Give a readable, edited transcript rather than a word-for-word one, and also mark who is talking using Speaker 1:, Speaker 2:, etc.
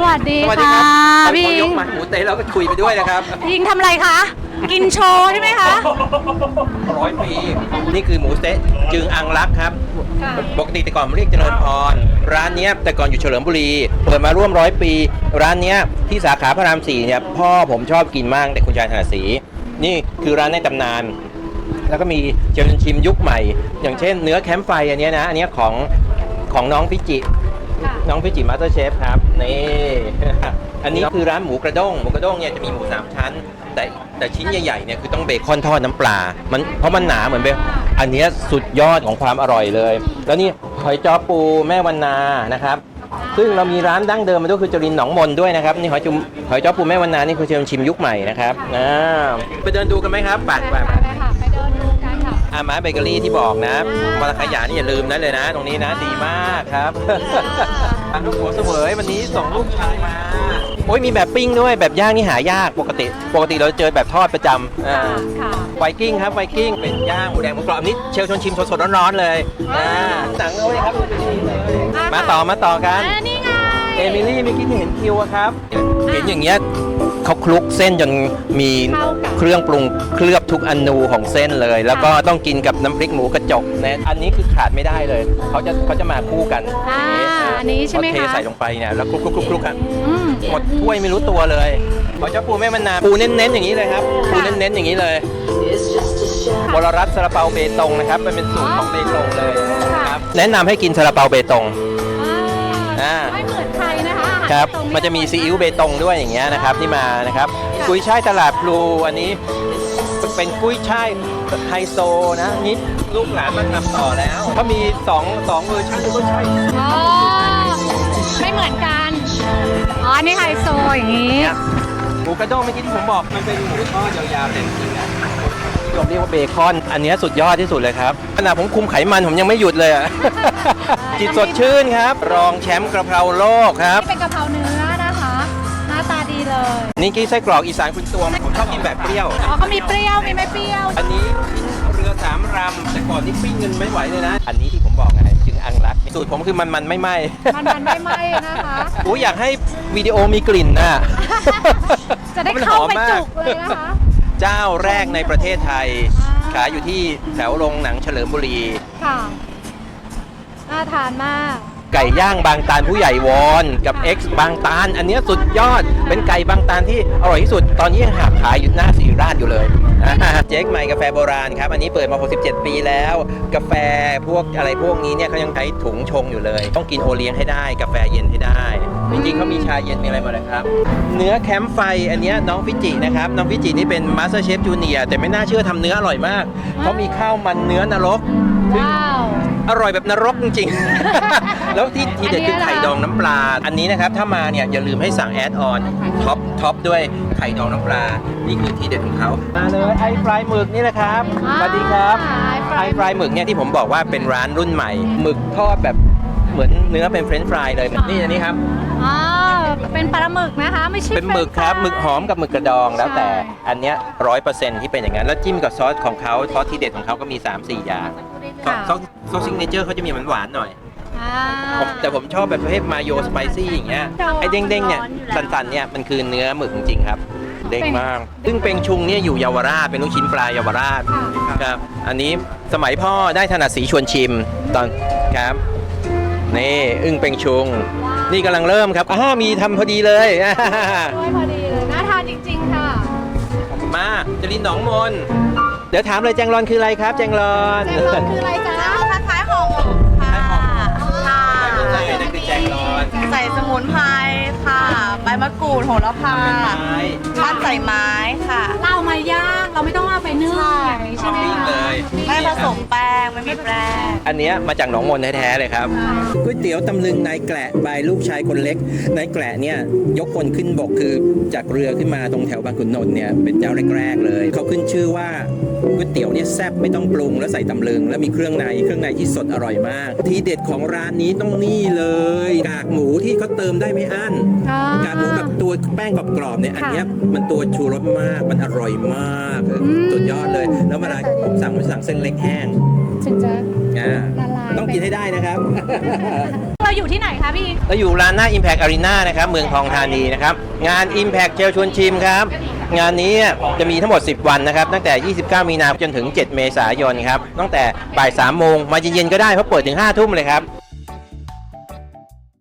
Speaker 1: วัสดี
Speaker 2: สวัสดี
Speaker 1: ค่ะ
Speaker 2: ครับ
Speaker 1: พี่
Speaker 2: พอยกหมัดหมูเต๊ะแล้วก็คุยไปด้วยนะครับ
Speaker 1: ยิงทำอะไรคะ กินโชว์ใช่ไหมคะ
Speaker 2: 100 ปีนี่คือหมูเต๊ะจึงอังรักครับ
Speaker 1: ค่ะ
Speaker 2: ปกติแต่ก่อนมันเรียกเจริญพรร้านเนี้ยแต่ก่อนอยู่เฉลิมบุรีเปิดมาร่วม100 ปีร้านเนี้ยที่สาขาพระราม 4เนี่ยพ่อผมชอบกินมากแต่คุณชายถนัดศรีนี่คือร้านในตำนาน แล้วก็มีเจริญชิมยุคใหม่ อย่างเช่นเนื้อแคมป์ไฟอันเนี้ยนะอันเนี้ยของน้องฟิจิ
Speaker 1: ค่ะ
Speaker 2: น้องฟิจิมาสเตอร์เชฟครับนี่ อันนี้คือร้านหมูกระด้งเนี่ยจะมีหมู3 ชั้น แต่ชิ้นใหญ่ๆเนี่ยคือต้องเบคอนทอดน้ำปลามันเพราะมันหนาเหมือนเบคอันเนี้ยสุดยอดของความอร่อยเลย แล้วนี่หอยจ้อปูแม่วันนานะครับซึ่งเรามีร้านดั้งเดิมมาด้วยคือจรินหนองมนด้วยนะครับนี่หอยจ้อปูแม่วันนานี่คือเชิญชิมยุคใหม่นะครับไปเดินดูกันไหมครับไป
Speaker 1: ไปค่ะ ไปเดินดูกันค่ะ
Speaker 2: อาม้าเบเกอรี่ที่บอกนะมาขยานี่อย่าลืมนะเลยนะ ตรงนี้นะดีมากครับ ลูกหัวเสวยวันนี้ส่งลูกชายมาโอ้ยมีแบบปิ้งด้วยแบบย่างนี่หายากปกติเราเจอแบบทอดประจำ
Speaker 1: ค่ะ
Speaker 2: ไวกิ้งครับไวกิ้งเป็นย่างหมูแดงหมูกรอบอันนี้เชลชวนชิมสดๆร้อนๆเลยหนังเอาไว้ครับมาต่อกัน
Speaker 1: นี่ไง
Speaker 2: เอมิลี่เมื่อกี้ที่เห็นคิวอะครับเห็นอย่างเงี้ยเขาคลุกเส้นจนมีเครื่องปรุงเคลือบทุกอนูของเส้นเลย แล้วก็ต้องกินกับน้ำพริกหมูกระจกนะอันนี้คือขาดไม่ได้เลยเขาจะมาคู่กัน
Speaker 1: อันนี้ใช่ไหมคะ
Speaker 2: เขาเทใส่ลงไปเนี่ยแล้วคลุกกัน
Speaker 1: อืม
Speaker 2: หมดถ้วยไม่รู้ตัวเลยขอเจ้าปูแม่มะนาวปูเน้นๆอย่างนี้เลยครับปูเน้นๆอย่างนี้เลยบรรัตซาลาเปาเบตงนะครับมันเป็นสูตรของเบตงเลยครับแนะนำให้กินซาลาเปาเบตง
Speaker 1: ไม่เหมือนใครนะคะ
Speaker 2: ครับมันจะมีซีอิ๊วเบตงด้วยอย่างเงี้ยนะครับที่มานะครับกุ้ยช่ายตลาดพลูอันนี้เป็นกุ้ยช่ายไฮโซนะนี่ลูกหลานมาทำต่อแล้วเขามี2เวอร์ชันกุ้ยช่าย
Speaker 1: อ๋อไม่เหมือนกัน อ๋ออันนี่ไฮโซอย่างนี้
Speaker 2: หมูกระด้งเมื่อกี้ที่ผมบอกมันเป็นหมูทอดยาวๆแต่จริงๆนะนิยมเรียกว่าเบคอนอันนี้สุดยอดที่สุดเลยครับขณะผมคุมไขมันผมยังไม่หยุดเลยอ่ะ จิตสดชื่นครับรองแชมป์กระเพราโลกครับ
Speaker 1: นี่เป็นกะเพราเนื้อนะคะ หน้าตาดีเลย
Speaker 2: นี่กี้ไส้กรอกอีสานคุณตวงผมชอบกินแบบเปรี้ยว
Speaker 1: อ๋อเขามีเปรี้ยว มีไม่เปรี้ยว
Speaker 2: อันนี้เรือ3 ลำแต่ก่อนนี่ปิ้งเงินไม่ไหวเลยนะ อันนี้ที่ผมบอกไงจึงอังรักสูตรผมคือมันไม่ไหม้
Speaker 1: มันไม่ไหม้นะคะ
Speaker 2: โอ้อยากให้วิดีโอมีกลิ่นน่ะ
Speaker 1: จะได้เข้าไปจุกเลยนะคะ
Speaker 2: เจ้าแรกในประเทศไทย ขายอยู่ที่แถวโรงหนังเฉลิมบุรี
Speaker 1: ค่ะ น่าทานมาก
Speaker 2: ไก่ย่างบางตาลผู้ใหญ่วอนกับ X บางตาล อันเนี้ยสุดยอดเป็นไก่บางตาลที่อร่อยที่สุด ตอนนี้ยังหาขายอยู่หน้าศรีราชอยู่เลย เจ๊กใหม่กาแฟโบราณครับ อันนี้เปิดมา67 ปีแล้ว กาแฟพวกอะไรพวกนี้เนี่ยเขายังใช้ถุงชงอยู่เลย ต้องกินโอเลี้ยงให้ได้ กาแฟเย็นให้ได้ จริงๆเขามีชาเย็นมีอะไรหมดเลยครับ เนื้อแคมป์ไฟอันเนี้ยน้องฟิจินะครับน้องฟิจินี่เป็นมาสเตอร์เชฟจูเนียร์แต่ไม่น่าเชื่อทำเนื้ออร่อยมากเขามีข้าวมันเนื้อนรก
Speaker 1: ว้าว
Speaker 2: อร่อยแบบนรกจริงๆ แล้วที่ทีเด็ดคือไข่ดองน้ำปลา อันนี้นะครับถ้ามาเนี่ยอย่าลืมให้สั่งแอดออนท็อปด้วยไข่ดองน้ำปลา นี่คือทีเด็ดของเขามาเลยไอฟรายหมึกนี่แหละครับสวัสดีครับไอฟรายหมึกเนี่ยที่ผมบอกว่าเป็นร้านรุ่นใหม่หมึกทอดแบบเหมือนเนื้อเป็นเฟรนช์ฟรายเลยนี่อันนี้ครับ
Speaker 1: อ๋อ เป็นปลาหมึกนะคะ ไม่ใช่
Speaker 2: เป็นหมึกครับหมึกหอมกับหมึกกระดองแล้วแต่อันเนี้ย100%ที่เป็นอย่างนั้นแล้วจิ้มกับซอสของเขาซอสทีเด็ดของเขาก็มี 3-4 อย่างซอสซิกเนเจอร์เขาจะมีหวานๆหน่อย แต่ผมชอบแบบประเภทมาโยสไปซี่อย่างเงี้ยไอ้เด้งๆเนี่ยสันๆเนี่ยมันคือเนื้อหมึกจริงๆครับเด้งมากซึ่งเป็งชุงเนี่ยอยู่เยาวราชเป็นลูกชิ้นปลาเยาวราชครับอันนี้สมัยพ่อได้ถนัดสีชวนชิมตอนครับนี่อึ้งเป็งชุงนี่กำลังเริ่มครับมีทำพอดีเลย
Speaker 1: ด้วยพอดีเลย น่าทานจริงๆค่ะ
Speaker 2: มาจรินหนองมนเดี๋ยวถามเลยแจงรอนคืออะไรครับแจงรอน
Speaker 1: แจงรอนคืออะไรจ๊ะ
Speaker 3: คล้ายๆห่อหมกค่ะค่ะ
Speaker 2: นั่นคือแจงรอน
Speaker 3: ใส่สมุนไพรค่ะ ใบมะกรูดโหระพาปั้นใส่ไม้ค่ะ
Speaker 1: เราเอามาย่าง เราไม่ต้องเอาไปนึ่งอย่างนี้ใช่ไหม
Speaker 2: ปิ้ง
Speaker 1: คะ
Speaker 2: เลย
Speaker 3: ไม่ผสมแป้ง ไม่มีแป้ง
Speaker 2: อันเนี้ยมาจากหนองมนแท้ๆเลยครับก๋วยเตี๋ยวตำลึงนายแกละบายลูกชายคนเล็กนายแกละเนี่ยยกคนขึ้นบกคือจากเรือขึ้นมาตรงแถวบางขุนนนท์เนี่ยเป็นเจ้าแรกๆเลยเขาขึ้นชื่อว่าก๋วยเตี๋ยวเนี่ยแซ่บไม่ต้องปรุงแล้วใส่ตำลึงแล้วมีเครื่องในที่สดอร่อยมากทีเด็ดของร้านนี้ต้องนี่เลยกากหมูที่เขาเติมได้ไม่อั้น
Speaker 1: อ๋อก
Speaker 2: ากหมูแบบตัวแป้งกรอบๆเนี่ยอันเนี้ยมันตัวชูรสมากมันอร่อยมากสุดยอดเลยแล้วเวลาผมสั่งเส้นเล็กแห้ง
Speaker 1: ถึงจะ
Speaker 2: อ่า
Speaker 1: ละลาย
Speaker 2: ต้องกินให้ได้นะครับ
Speaker 1: เราอยู่ที่ไหนคะพี่
Speaker 2: เราอยู่ร้านหน้า Impact Arena นะครับเมืองทองธานีนะครับงาน Impact เชลชวนชิมครับงานนี้จะมีทั้งหมด10วันนะครับตั้งแต่ 29 มีนาคมจนถึง 7 เมษายนครับตั้งแต่บ่าย 3 โมงมาเย็นๆก็ได้เพราะเปิดถึง 5 ทุ่มเลยครับ